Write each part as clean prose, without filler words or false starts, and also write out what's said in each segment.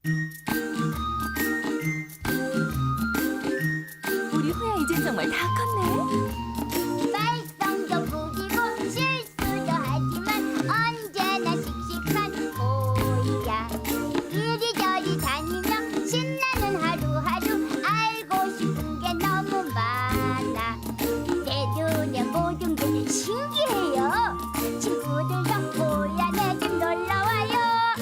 우리 호야 이젠 정말 다 컸네. 말썽도 부리고 실수도 하지만 언제나 씩씩한 호야. 이리저리 다니며 신나는 하루하루 알고 싶은 게 너무 많아. 내 눈에 모든 게 신기해요. 친구들도 호야 내 집 놀러와요.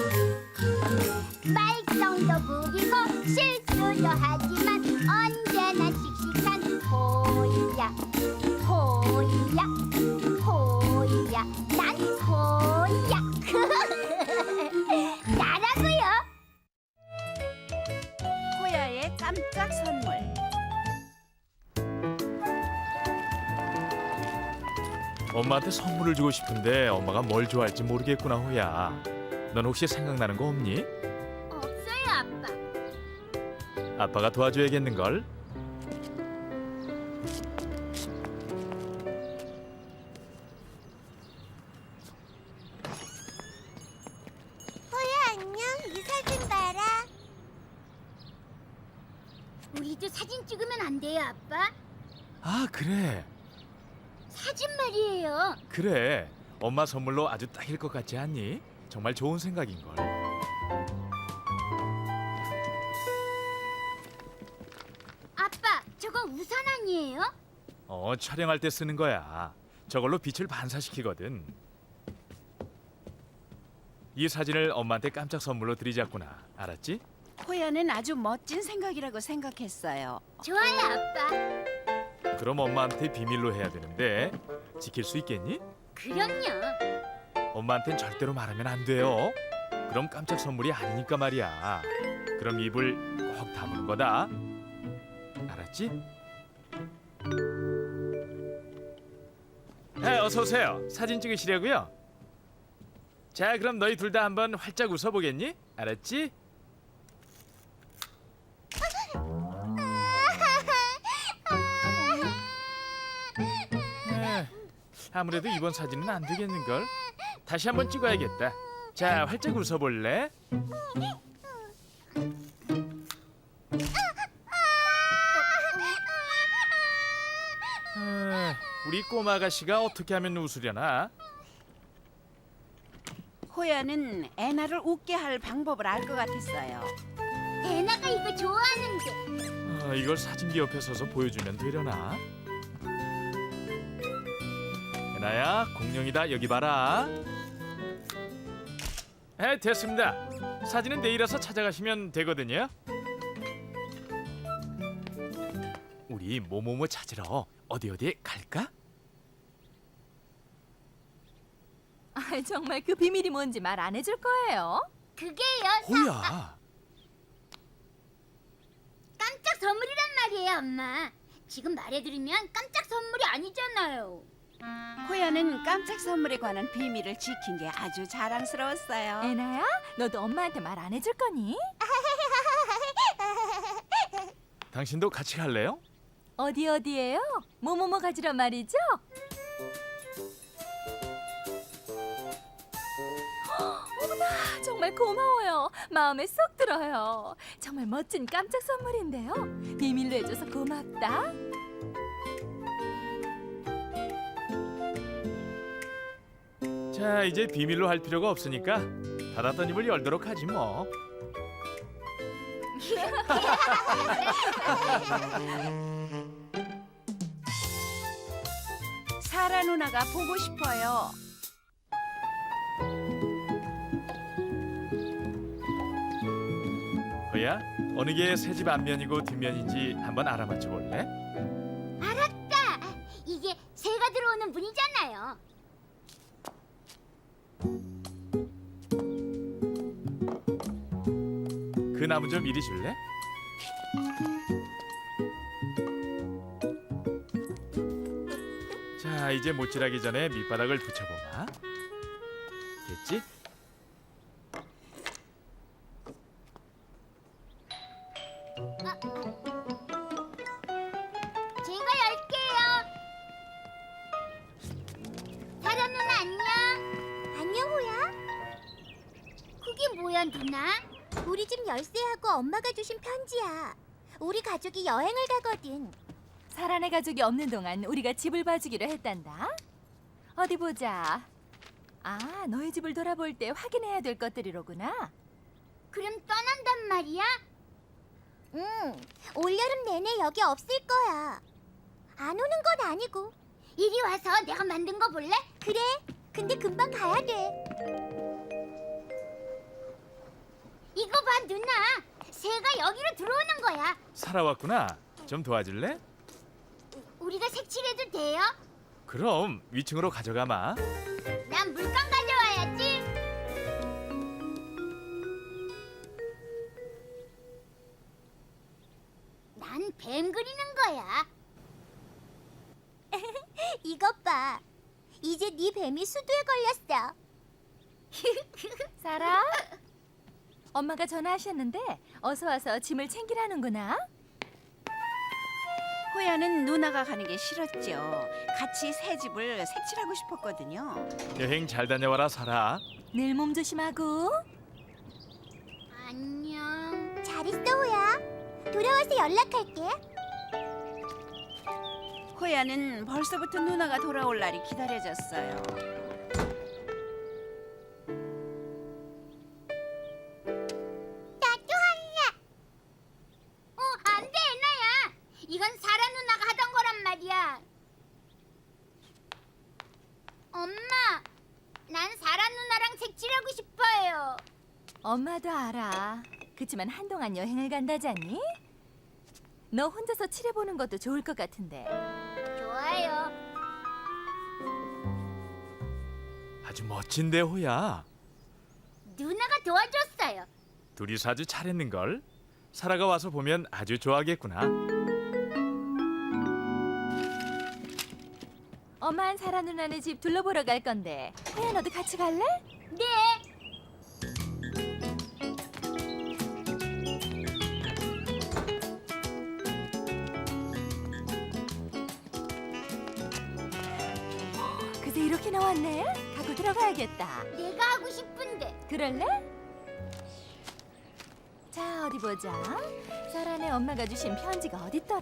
말썽도 부리고 실수도 하지만 언제나 씩씩한 호야. 호야, 호야, 난 호야. 나라고요. 호야의 깜짝 선물. 엄마한테 선물을 주고 싶은데 엄마가 뭘 좋아할지 모르겠구나, 호야. 넌 혹시 생각나는 거 없니? 없어요, 아빠. 아빠가 도와줘야겠는걸? 호야, 안녕. 이 사진 봐라. 우리도 사진 찍으면 안 돼요, 아빠? 아, 그래. 사진 말이에요. 그래. 엄마 선물로 아주 딱일 것 같지 않니? 정말 좋은 생각인걸. 아빠, 저거 우산 아니에요? 촬영할 때 쓰는 거야. 저걸로 빛을 반사시키거든. 이 사진을 엄마한테 깜짝 선물로 드리자꾸나. 알았지? 호야는 아주 멋진 생각이라고 생각했어요. 좋아요, 아빠. 그럼 엄마한테 비밀로 해야 되는데 지킬 수 있겠니? 그럼요. 엄마한텐 절대로 말하면 안 돼요. 그럼 깜짝 선물이 아니니까 말이야. 그럼 입을 꼭 다무는 거다. 알았지? 어서 오세요. 사진 찍으시려고요? 자, 그럼 너희 둘 다 한번 활짝 웃어보겠니? 알았지? 아무래도 이번 사진은 안 되겠는걸? 다시 한번 찍어야겠다. 자, 활짝 웃어볼래? 우리 꼬마 아가씨가 어떻게 하면 웃으려나? 호야는 애나를 웃게 할 방법을 알 것 같았어요. 애나가 이거 좋아하는데. 이걸 사진기 옆에 서서 보여주면 되려나? 애나야, 공룡이다. 여기 봐라. 됐습니다. 사진은 내일 와서 찾아가시면 되거든요. 우리 뭐뭐뭐 찾으러 어디에 갈까? 아, 정말 그 비밀이 뭔지 말 안 해줄 거예요? 그게요. 호야. 깜짝 선물이란 말이에요, 엄마. 지금 말해드리면 깜짝 선물이 아니잖아요. 호야는 깜짝 선물에 관한 비밀을 지킨 게 아주 자랑스러웠어요. 애나야, 너도 엄마한테 말 안 해줄 거니? 당신도 같이 갈래요? 어디에요? 뭐뭐뭐 가지러 말이죠? 어머나, 정말 고마워요. 마음에 쏙 들어요. 정말 멋진 깜짝 선물인데요. 비밀로 해줘서 고맙다. 자, 이제 비밀로 할 필요가 없으니까 닫았던 입을 열도록 하지 뭐. 사라 누나가 보고 싶어요. 호야, 어느 게 새 집 앞면이고 뒷면인지 한번 알아맞혀 볼래? 알았다. 이게 새가 들어오는 문이잖아요. 그 나무 좀 이리 줄래? 자, 이제 못질하기 전에 밑바닥을 붙여보마. 됐지? 제가 열게요. 사라 누나 안녕. 안녕 호야. 그게 뭐야 누나? 우리 집 열쇠하고 엄마가 주신 편지야. 우리 가족이 여행을 가거든. 사란의 가족이 없는 동안 우리가 집을 봐주기로 했단다. 어디 보자. 아, 너희 집을 돌아볼 때 확인해야 될 것들이로구나. 그럼 떠난단 말이야? 응, 올여름 내내 여기 없을 거야. 안 오는 건 아니고. 이리 와서 내가 만든 거 볼래? 그래, 근데 금방 가야 돼. 이거 봐, 누나. 새가 여기로 들어오는 거야. 살아왔구나. 좀 도와줄래? 우리가 색칠해도 돼요? 그럼 위층으로 가져가마. 난 물감 가져와야지. 난 뱀 그리는 거야. 이것 봐. 이제 네 뱀이 수두에 걸렸어. 사라? 엄마가 전화하셨는데 어서 와서 짐을 챙기라는구나. 호야는 누나가 가는 게 싫었죠. 같이 새 집을 색칠하고 싶었거든요. 여행 잘 다녀와라, 사라. 늘 몸 조심하고. 안녕. 잘 있어, 호야. 돌아와서 연락할게. 호야는 벌써부터 누나가 돌아올 날이 기다려졌어요. 나도 할래. 안 돼, 애나야. 이건 사라 누나가 하던 거란 말이야. 엄마, 난 사라 누나랑 색칠하고 싶어요. 엄마도 알아. 그치만 한동안 여행을 간다잖니? 너 혼자서 칠해보는 것도 좋을 것 같은데. 좋아요. 아주 멋진데, 호야. 누나가 도와줬어요. 둘이서 아주 잘했는걸. 사라가 와서 보면 아주 좋아하겠구나. 엄마한 사라 누나네 집 둘러보러 갈 건데 호야 너도 같이 갈래? 네. 그새 이렇게 나왔네? 갖고 들어가야겠다. 내가 하고 싶은데. 그럴래? 자, 어디 보자. 사라네 엄마가 주신 편지가 어딨더라?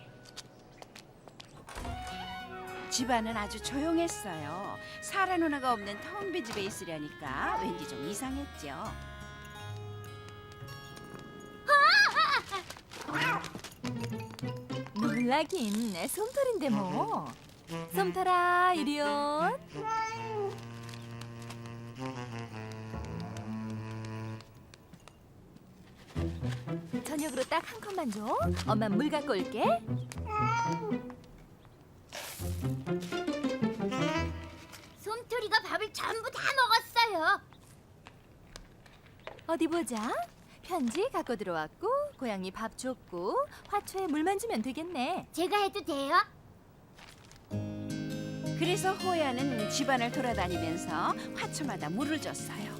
집안은 아주 조용했어요. 사라 누나가 없는 텅 빈 집에 있으려니까 왠지 좀 이상했죠. 놀라긴 솜털인데 뭐. 솜털아, 이리온. 저녁으로 딱 한 컵만 줘. 엄마 물 갖고 올게. 솜토리가 밥을 전부 다 먹었어요. 어디 보자. 편지 갖고 들어왔고 고양이 밥 줬고 화초에 물만 주면 되겠네. 제가 해도 돼요? 그래서 호야는 집안을 돌아다니면서 화초마다 물을 줬어요.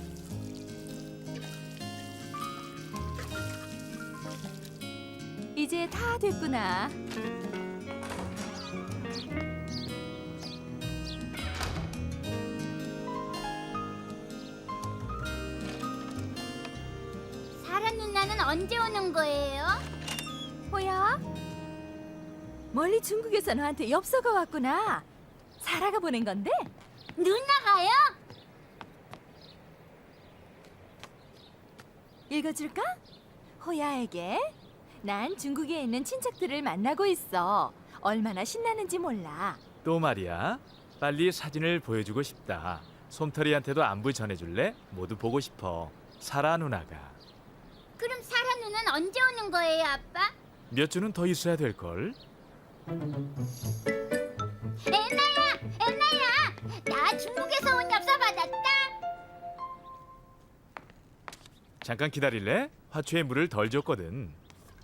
이제 다 됐구나. 사라 누나는 언제 오는 거예요? 호야? 멀리 중국에서 너한테 엽서가 왔구나. 사라가 보낸 건데? 누나가요? 읽어줄까? 호야에게 난 중국에 있는 친척들을 만나고 있어. 얼마나 신나는지 몰라. 또 말이야. 빨리 사진을 보여주고 싶다. 솜털이한테도 안부 전해줄래? 모두 보고 싶어. 사라 누나가. 그럼 사라 누나는 언제 오는 거예요, 아빠? 몇 주는 더 있어야 될걸? 애나야, 나 중국에서 온 엽서 받았다. 잠깐 기다릴래? 화초에 물을 덜 줬거든.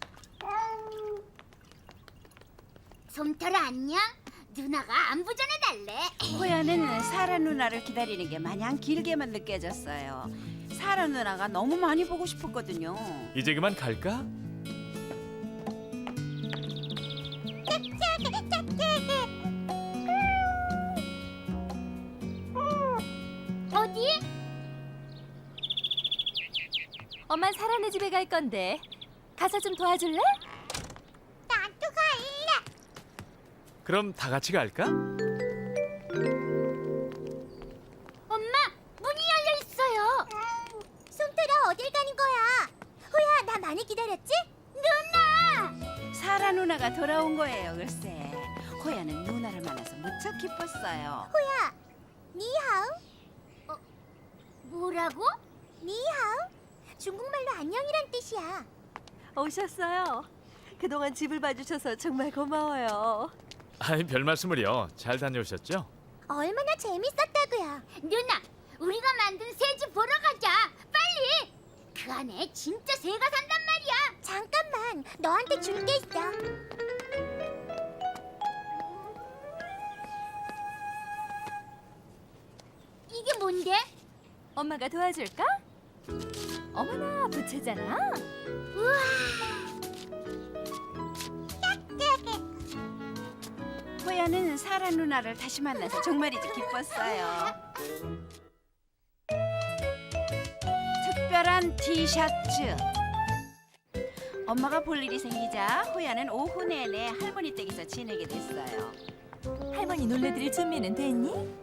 솜털아 안녕? 누나가 안부 전해달래. 호야는 사라 누나를 기다리는 게 마냥 길게만 느껴졌어요. 사라 누나가 너무 많이 보고 싶었거든요. 이제 그만 갈까? 어디? 엄만 사라네 집에 갈 건데 가서 좀 도와줄래? 나도 갈래. 그럼 다 같이 갈까? 엄마, 문이 열려 있어요. 솜털아, 어딜 가는 거야? 호야, 나 많이 기다렸지? 누나! 사라 누나가 돌아온 거예요, 글쎄. 호야는 누나를 만나서 무척 기뻤어요. 호야, 니하오? 뭐라고? 니하오? 중국말로 안녕이란 뜻이야. 오셨어요. 그동안 집을 봐주셔서 정말 고마워요. 아이, 별 말씀을요. 잘 다녀오셨죠? 얼마나 재밌었다고요. 누나, 우리가 만든 새 집 보러 가자. 빨리. 그 안에 진짜 새가 산단 말이야. 잠깐만, 너한테 줄 게 있어. 이게 뭔데? 엄마가 도와줄까? 어머나, 부채잖아. 우와. 호야는 사라 누나를 다시 만나서 정말이지 기뻤어요. 특별한 티셔츠. 엄마가 볼 일이 생기자 호야는 오후 내내 할머니 댁에서 지내게 됐어요. 할머니 놀래드릴 준비는 됐니?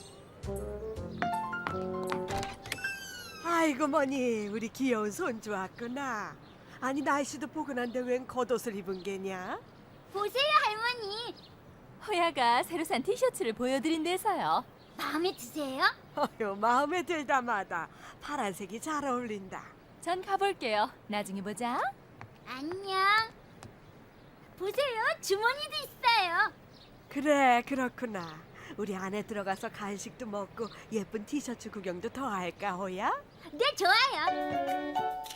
아이고 머니 우리 귀여운 손주 왔구나. 아니 날씨도 포근한데 웬 겉옷을 입은 게냐? 보세요, 할머니. 호야가 새로 산 티셔츠를 보여드린대서요. 마음에 드세요? 어휴 마음에 들다마다 파란색이 잘 어울린다. 전 가볼게요. 나중에 보자. 안녕. 보세요, 주머니도 있어요. 그래 그렇구나. 우리 안에 들어가서 간식도 먹고 예쁜 티셔츠 구경도 더 할까 호야? 네, 좋아요.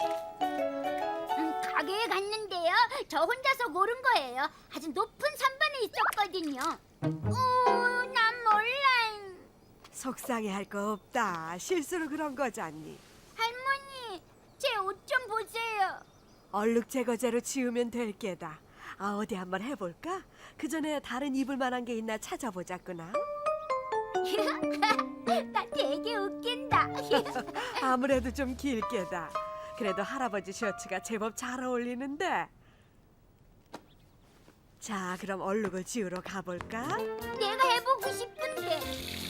가게에 갔는데요. 저 혼자서 고른 거예요. 아주 높은 선반에 있었거든요. 난 몰라. 속상해할 거 없다. 실수로 그런 거잖니. 할머니, 제 옷 좀 보세요. 얼룩 제거제로 지우면 될 게다. 아 어디 한번 해볼까? 그 전에 다른 입을 만한 게 있나 찾아보자꾸나. 나 되게 웃긴다. 아무래도 좀 길게다. 그래도 할아버지 셔츠가 제법 잘 어울리는데. 자, 그럼 얼룩을 지우러 가볼까? 내가 해보고 싶은데.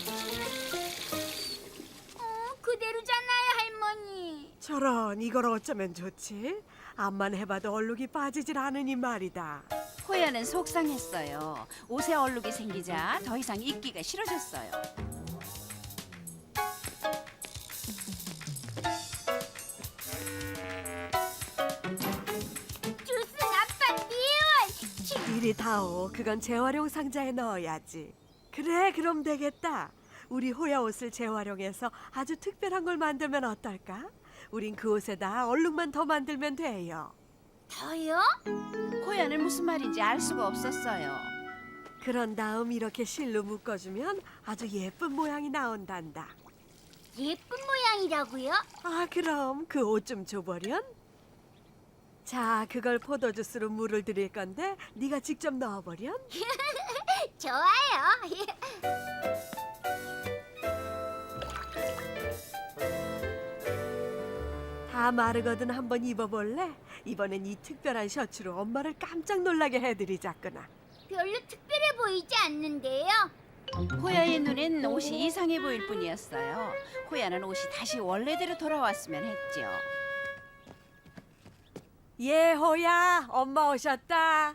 그대로잖아요, 할머니. 저런, 이걸 어쩌면 좋지? 앞만 해봐도 얼룩이 빠지질 않으니 말이다. 호야는 속상했어요. 옷에 얼룩이 생기자 더 이상 입기가 싫어졌어요. 주스 아빠 미워. 이리 다오, 그건 재활용 상자에 넣어야지. 그래, 그럼 되겠다. 우리 호야 옷을 재활용해서 아주 특별한 걸 만들면 어떨까? 우린 그 옷에다 얼룩만 더 만들면 돼요. 더요? 호야는 무슨 말인지 알 수가 없었어요. 그런 다음 이렇게 실로 묶어주면 아주 예쁜 모양이 나온단다. 예쁜 모양이라고요? 아, 그럼 그 옷 좀 줘보련? 자, 그걸 포도주스로 물을 드릴 건데 네가 직접 넣어보련? 좋아요. 다 마르거든 한번 입어볼래? 이번엔 이 특별한 셔츠로 엄마를 깜짝 놀라게 해드리자꾸나. 별로 특별해 보이지 않는데요. 호야의 눈엔 옷이 이상해 보일 뿐이었어요. 호야는 옷이 다시 원래대로 돌아왔으면 했죠. 예, 호야, 엄마 오셨다.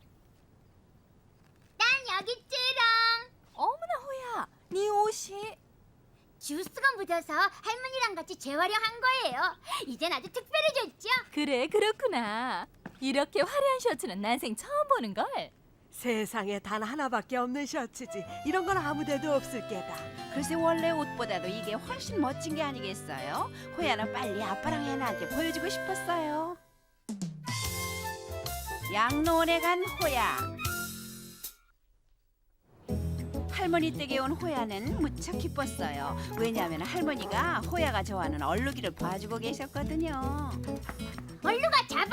난 여기 찌랑. 어머나 호야, 네 옷이 주스가 묻어서 할머니랑 같이 재활용한 거예요. 이젠 아주 특별해졌죠? 그래 그렇구나. 이렇게 화려한 셔츠는 난생 처음 보는 걸. 세상에 단 하나밖에 없는 셔츠지. 이런 건 아무데도 없을 게다. 글쎄 원래 옷보다도 이게 훨씬 멋진 게 아니겠어요? 호야는 빨리 아빠랑 애나한테 보여주고 싶었어요. 양로원에 간 호야. 할머니 댁에 온 호야는 무척 기뻤어요. 왜냐하면 할머니가 호야가 좋아하는 얼룩이를 봐주고 계셨거든요. 얼루가 잡아.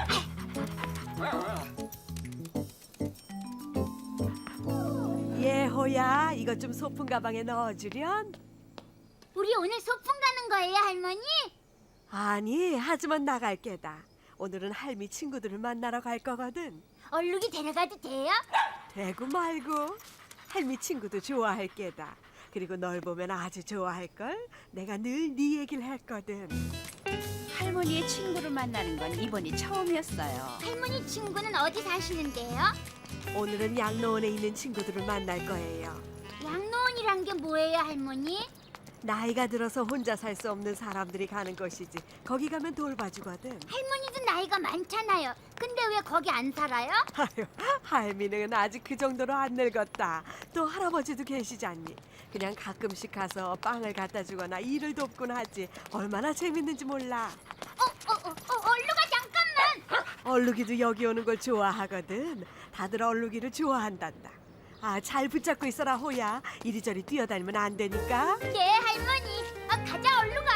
예, 호야, 이것 좀 소품 가방에 넣어주련? 우리 오늘 소풍 가는 거예요, 할머니? 아니, 하지만 나갈 게다. 오늘은 할미 친구들을 만나러 갈 거거든. 얼룩이 데려가도 돼요? 되고 말고. 할미 친구도 좋아할 게다. 그리고 널 보면 아주 좋아할걸. 내가 늘 네 얘기를 했거든. 할머니의 친구를 만나는 건 이번이 처음이었어요. 할머니 친구는 어디 사시는데요? 오늘은 양로원에 있는 친구들을 만날 거예요. 양로원이란 게 뭐예요, 할머니? 나이가 들어서 혼자 살 수 없는 사람들이 가는 곳이지. 거기 가면 돌봐주거든. 할머니도 나이가 많잖아요. 근데 왜 거기 안 살아요? 아유, 할미는 아직 그 정도로 안 늙었다. 또 할아버지도 계시잖니. 그냥 가끔씩 가서 빵을 갖다 주거나 일을 돕곤 하지. 얼마나 재밌는지 몰라. 얼룩아 잠깐만. 얼룩이도 여기 오는 걸 좋아하거든. 다들 얼룩이를 좋아한단다. 아, 잘 붙잡고 있어라, 호야. 이리저리 뛰어다니면 안 되니까. 네, 할머니. 가자, 얼룩아.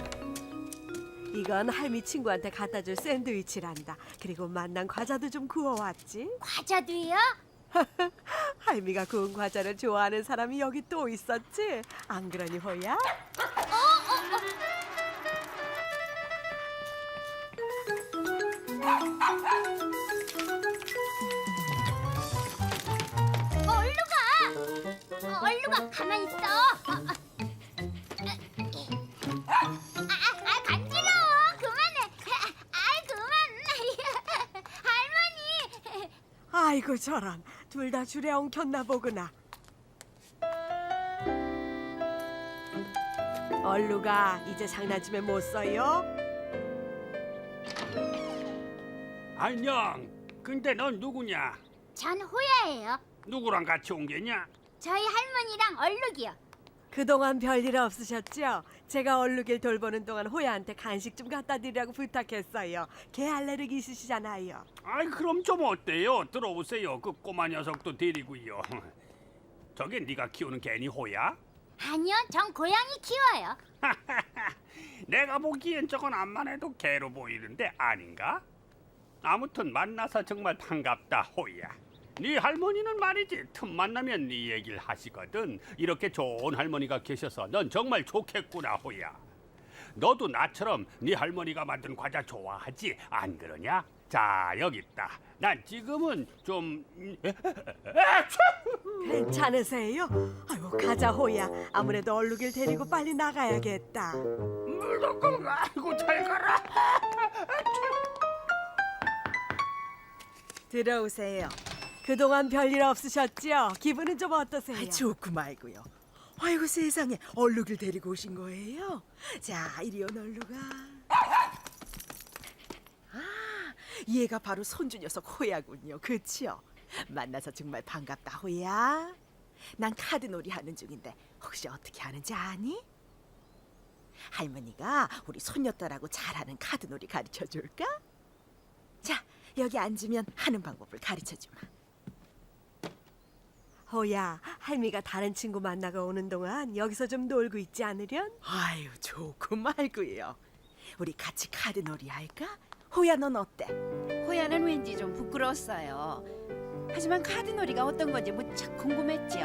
이건 할미 친구한테 갖다 줄 샌드위치란다. 그리고 만난 과자도 좀 구워왔지. 과자도요? 할미가 구운 과자를 좋아하는 사람이 여기 또 있었지. 안 그러니, 호야? 얼룩아, 가만 있어. 간지러워. 그만해. 그만. 할머니. 아이고 저런, 둘 다 줄에 엉켰나 보구나. 얼루가 이제 장난치면 못 써요? 안녕. 근데 넌 누구냐? 전 호야예요. 누구랑 같이 온 게냐? 저희 할머니랑 얼룩이요. 그동안 별일 없으셨죠? 제가 얼룩일 돌보는 동안 호야한테 간식 좀 갖다 드리라고 부탁했어요. 개 알레르기 있으시잖아요. 아이 그럼 좀 어때요? 들어오세요. 그 꼬마 녀석도 데리고요. 저게 네가 키우는 개니 호야? 아니요, 전 고양이 키워요. 내가 보기엔 저건 암만 해도 개로 보이는데 아닌가? 아무튼 만나서 정말 반갑다 호야. 네 할머니는 말이지 틈만 나면 네 얘기를 하시거든. 이렇게 좋은 할머니가 계셔서 넌 정말 좋겠구나 호야. 너도 나처럼 네 할머니가 만든 과자 좋아하지 안 그러냐? 자 여기 있다. 난 지금은 좀 괜찮으세요? 아이고 가자 호야. 아무래도 얼룩일 데리고 빨리 나가야겠다. 아이고 잘 가라. 들어오세요. 그동안 별일 없으셨죠? 기분은 좀 어떠세요? 좋고 말고요. 아이고 세상에 얼룩을 데리고 오신 거예요? 자 이리 온 얼룩아. 아 얘가 바로 손주 녀석 호야군요. 그치요? 만나서 정말 반갑다 호야. 난 카드놀이 하는 중인데 혹시 어떻게 하는지 아니? 할머니가 우리 손녀딸하고 잘하는 카드놀이 가르쳐 줄까? 자 여기 앉으면 하는 방법을 가르쳐 주마. 호야, 할미가 다른 친구 만나고 오는 동안 여기서 좀 놀고 있지 않으련? 아유 좋고 말고요. 우리 같이 카드놀이 할까? 호야 넌 어때? 호야는 왠지 좀 부끄러웠어요. 하지만 카드놀이가 어떤 건지 무척 궁금했죠.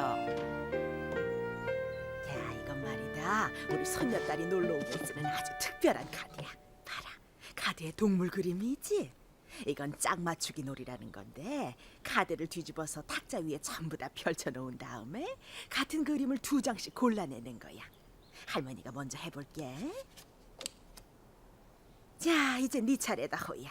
야 이건 말이다. 우리 손녀딸이 놀러 오면 쓰는 아주 특별한 카드야. 봐라. 카드에 동물 그림이지? 이건 짝 맞추기 놀이라는 건데 카드를 뒤집어서 탁자 위에 전부 다 펼쳐놓은 다음에 같은 그림을 2장씩 골라내는 거야. 할머니가 먼저 해볼게. 자 이제 네 차례다 호야.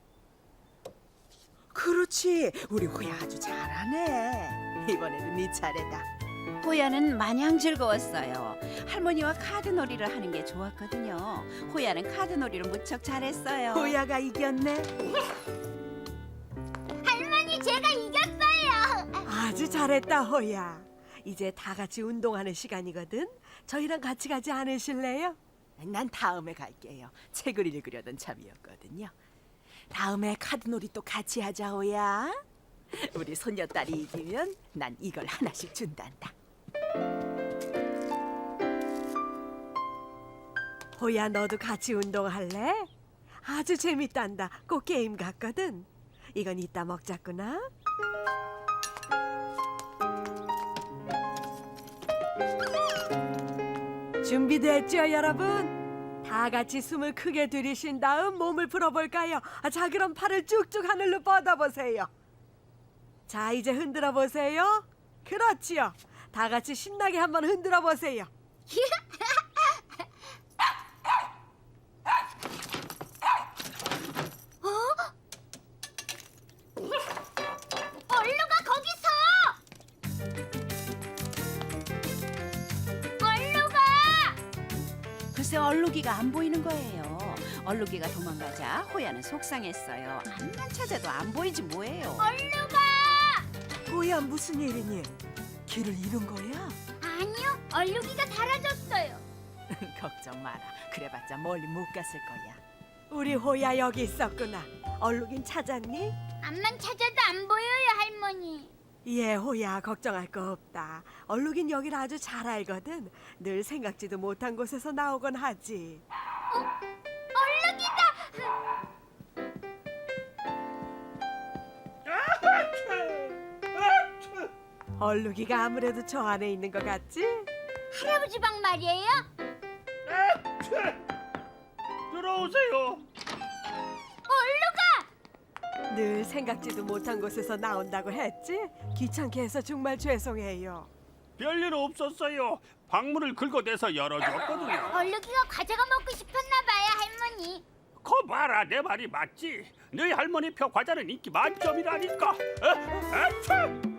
그렇지. 우리 호야 아주 잘하네. 이번에는 네 차례다. 호야는 마냥 즐거웠어요. 할머니와 카드놀이를 하는 게 좋았거든요. 호야는 카드놀이를 무척 잘했어요. 호야가 이겼네. 할머니, 제가 이겼어요. 아주 잘했다, 호야. 이제 다 같이 운동하는 시간이거든. 저희랑 같이 가지 않으실래요? 난 다음에 갈게요. 책을 읽으려던 참이었거든요. 다음에 카드놀이 또 같이 하자 호야. 우리 손녀딸이 이기면 난 이걸 하나씩 준단다. 호야, 너도 같이 운동할래? 아주 재밌단다. 꼭 게임 같거든. 이건 이따 먹자꾸나. 준비됐죠, 여러분? 다 같이 숨을 크게 들이신 다음 몸을 풀어볼까요? 자, 그럼 팔을 쭉쭉 하늘로 뻗어보세요. 자, 이제 흔들어 보세요. 그렇지요. 다 같이 신나게 한번 흔들어 보세요. 얼루가 거기서! 얼루가! 글쎄 얼룩이가 안 보이는 거예요. 얼룩이가 도망가자 호야는 속상했어요. 암만 찾아도 안 보이지 뭐예요. 얼루가! 호야, 무슨 일이니? 길을 잃은 거야? 아니요, 얼룩이가 사라졌어요. 걱정 마라. 그래봤자 멀리 못 갔을 거야. 우리 호야 여기 있었구나. 얼룩인 찾았니? 암만 찾아도 안 보여요, 할머니. 예, 호야, 걱정할 거 없다. 얼룩인 여기를 아주 잘 알거든. 늘 생각지도 못한 곳에서 나오곤 하지. 얼룩이다! 얼룩이가 아무래도 저 안에 있는 것 같지? 할아버지 방 말이에요? 들어오세요. 얼룩아! 늘 생각지도 못한 곳에서 나온다고 했지? 귀찮게 해서 정말 죄송해요. 별일 없었어요. 방문을 긁어대서 열어줬거든요. 얼룩이가 과자가 먹고 싶었나 봐요, 할머니. 거 봐라, 내 말이 맞지? 너희 할머니 표 과자는 인기 만점이라니까.